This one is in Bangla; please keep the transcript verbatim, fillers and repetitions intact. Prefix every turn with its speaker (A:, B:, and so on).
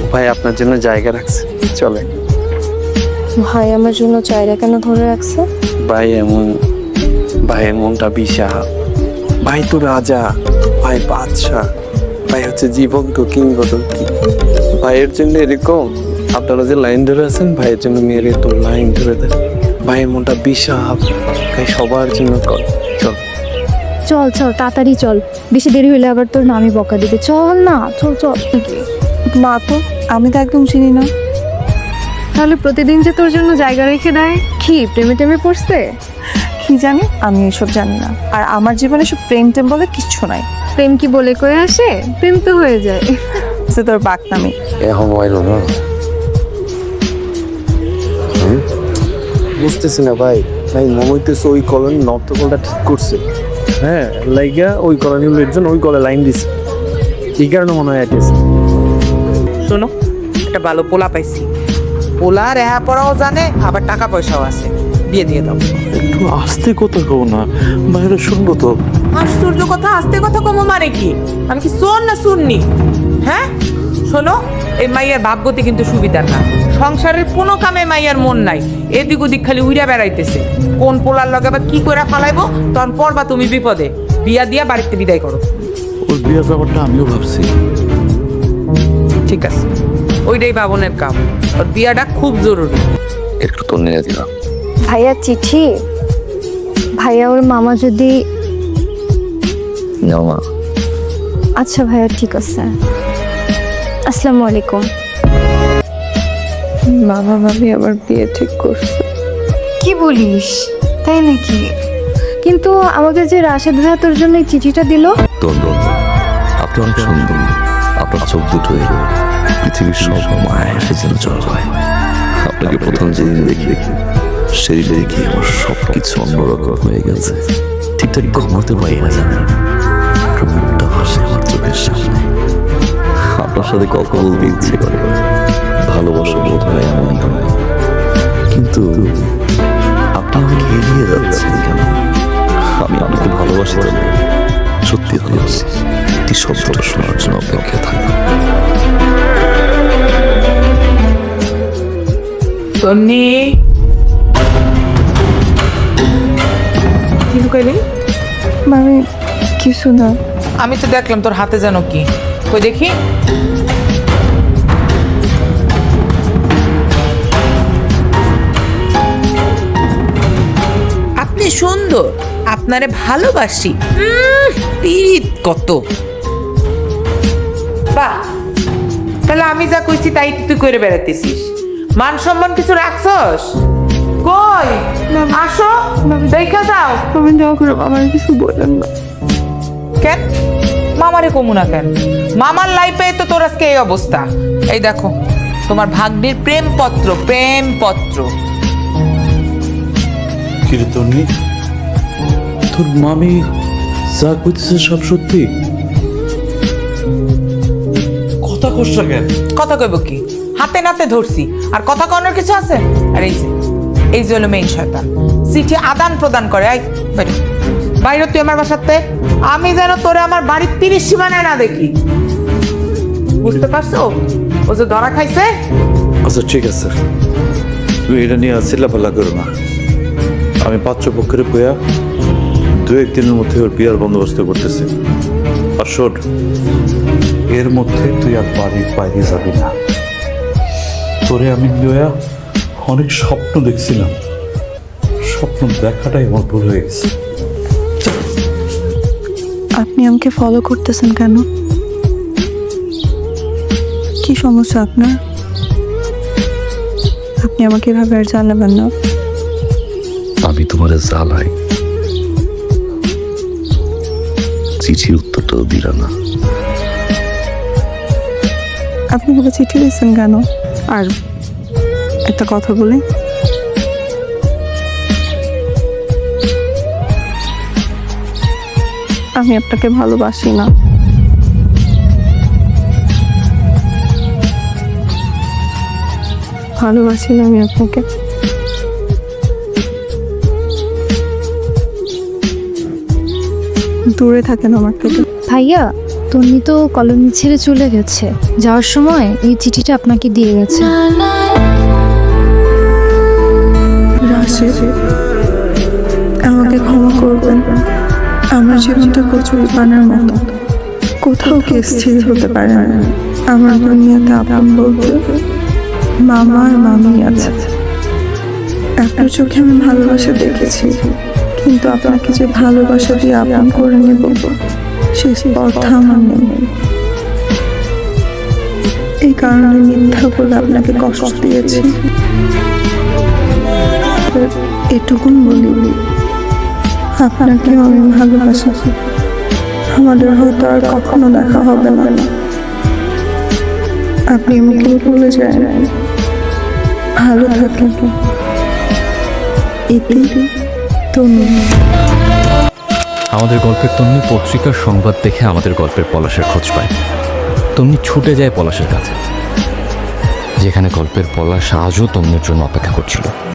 A: ভাই আপনার জন্য জায়গা রাখছে, চলে।
B: ভাই আমার জন্য জায়গা কেন ধরে রাখছে?
A: ভাই এমন, ভাইয়ের মনটা বিশাল। ভাই তো রাজা, ভাই বাদশাহ, ভাই হচ্ছে জীবন্ত কিংবদন্তি। ভাইয়ের জন্য এরকম আপনারা যে লাইন ধরে আছেন, ভাইয়ের জন্য মেয়ের তো লাইন ধরে দেন। ভাইয়ের মনটা বিশাল, ভাই সবার জন্য কর। চল
B: চল চল তাড়াতাড়ি চল, বেশি দেরি হলে আবার তোর নামই বকা দিবে। চল না, চল চল।
C: মা তো আমি তো একদম চিনি না।
B: তাহলে প্রতিদিন যে তোর জন্য জায়গা রেখে দেয়, কি প্রেমে টেমে পড়ছে?
C: কি জানি, আমি এসব জানি না। আর আমার জীবনে সব প্রেম টেম বলে কিচ্ছু নাই।
B: প্রেম কি বলে কয়ে আসে? প্রেম তো হয়ে যায়।
C: সে তোর বাকনামি।
A: এখন হইলো না, বুঝতেছি না ভাই। ভাই মনে হইতেছে ওই কলোনি নর্থকলটা ঠিক করছে। হ্যাঁ, লাইগা ওই কলোনির লোকজন ওই কলে লাইন দিছে, এই কারণে মনে হয় আইতেছে।
D: শোনো, একটা ভালো পোলা পাইছি। পোলা রেহা পড়াও জানে, আবার টাকা পয়সাও আছে। বিয়ে দিয়ে দাও।
A: একটু আস্তে কথা কও না, বাইরে শুনবো তো।
D: আশ্চর্য কথা, আস্তে কথা কমো মানে কি? আমি কি শোন না শুননি? হ্যাঁ শোনো, এই মাইয়ার ভাবগতি কিন্তু সুবিধার না। সংসারের কোনো কামে মাইয়ার মন নাই, এদিক ওদিক খালি উইরা বেড়াইতেছে। কোন পোলার লগে বা কি করে ফালাইবো, তখন পড়বা তুমি বিপদে। বিয়া দিয়া বাড়িতে বিদায় করো।
A: ওই বিয়ের ব্যাপারটা আমিও ভাবছি।
D: ঠিক আছে, ওইটাই বাবনের কাম। ওর বিয়াটা খুব জরুরি।
A: একটু তো নিয়ে দিলাম।
B: ভাইয়া চিঠি, ভাইয়া ওর মামা যদি।
A: মামা,
B: আচ্ছা ভাইয়া ঠিক আছে। আসসালামু আলাইকুম।
C: বাবা ভাবি আবার বিয়ে ঠিক করছে।
B: কি বলিস, তাই নাকি? কিন্তু আমাকে যে রাশেদ ভাইয়া তোর জন্য এই চিঠিটা দিল।
E: দন্দন, আপনি অনেক সুন্দর। আপনার চোখ দুটোই পৃথিবীর সব মায়া এসে যেন জল হয়। আপনাকে প্রথম যেদিন দেখি, সেই দেখি আমার সব কিছু অন্যরকম হয়ে গেছে। ঠিকঠাক ঘুমাতে পারি না, জানেন। আপনার মুখটা ভাসে আমার চোখের সামনে। আপনার সাথে কথা বলতে ইচ্ছে করে। ভালোবাসা বোধ হয় এমনই হয়, কিন্তু আপনি আমাকে এড়িয়ে যাচ্ছেন কেন? আমি আপনাকে ভালোবাসি তো না, সত্যি ভালোবাসি। এই শব্দটা শোনার জন্য অপেক্ষা থাকবে।
D: তন্নি, কি লুকাইলি?
C: মানে কিছু না।
D: আমি তো দেখলাম তোর হাতে যেন কি, কই দেখি। আপনি সুন্দর, আপনারে ভালোবাসি। উম, পীড়িত কত। বাহ, তাহলে আমি যা কইছি তাই তুই করে বেড়াতেছিস। মান সম্মান কিছু রাখছস? কই আসো, দেখা যাও।
C: তুমি যাও করে আমার কিছু বলেন না।
D: কেন মামারে কমু না কেন? মামার লাইফে তো তোর আজকে এই অবস্থা। এই দেখো তোমার ভাগ্নির প্রেম পত্র, প্রেম পত্র।
F: কীর্তনী, তোর মামি যা করতেছে সব সত্যি? কথা কষ্ট কেন?
D: কথা কইব কি, হাতে নাতে ধরছি। আর কথা কনার কিছু আছে? আর এই যে এই যে হলো মেইন শয়তান, চিঠি আদান প্রদান করে। আই বাইরে, বাইরে তুই আমার বাসাতে। আমি যেন তোরে আমার বাড়ির তিরিশ সীমানায় না দেখি, বুঝতে পারছো? ও যে ধরা খাইছে।
F: আচ্ছা ঠিক আছে, তুমি এটা নিয়ে চিল্লাপাল্লা করো না। আমি পাত্রপক্ষের বইয়া দু একদিনের মধ্যে ওর বিয়ার বন্দোবস্ত করতেছি। আর শোন, এর মধ্যে তুই আর বাড়ির বাইরে যাবি না। তোরে আমি বইয়া অনেক স্বপ্ন দেখছিলাম, স্বপ্ন দেখাটাই আমার ভুল হয়ে গেছে।
C: আপনি আমাকে ফলো করতেছেন কেন? কি সমস্যা আপনার? আপনি আমাকে এভাবে আর জানাবেন না।
E: আমি তোমার জ্বালাই, চিঠির উত্তরটাও দিলা না।
C: আপনি বলে চিঠি দিয়েছেন কেন? আর একটা কথা বলি, আমি আপনাকে ভালোবাসি না। ভালোবাসি না আমি আপনাকে। দূরে থাকেন আমার থেকে।
B: ভাইয়া তন্নি তো কলোনি ছেড়ে চলে গেছে, যাওয়ার সময় এই চিঠিটা আপনাকে দিয়ে গেছে।
C: রাশেদ, আমাকে ক্ষমা করবেন। আমার জীবনটা কচুরি পানার মতো, কোথাও কে স্থির হতে পারে না। আমার দুনিয়াতে আপন বলতে মামা আর মামি আছে। আপনার চোখে আমি ভালোবাসা দেখেছি, কিন্তু আপনাকে যে ভালোবাসা দিয়ে আপন করে নেব সেই স্পর্ধা আমার নেই। এই কারণে মিথ্যা বলে আপনাকে কষ্ট দিয়েছি। এটুকুন বলি, আপনাকেও আমি ভালোবাসি। আমাদের হয়তো আর কখনো দেখা হবে না। আপনি আমাকে ভুলে যায়, ভালো থাকেন। ইতি তনু।
G: আমাদের গল্পের তন্নি পত্রিকার সংবাদ দেখে আমাদের গল্পের পলাশের খোঁজ পায়। তন্নি ছুটে যায় পলাশের কাছে, যেখানে গল্পের পলাশ আজও তন্নির জন্য অপেক্ষা করছিল।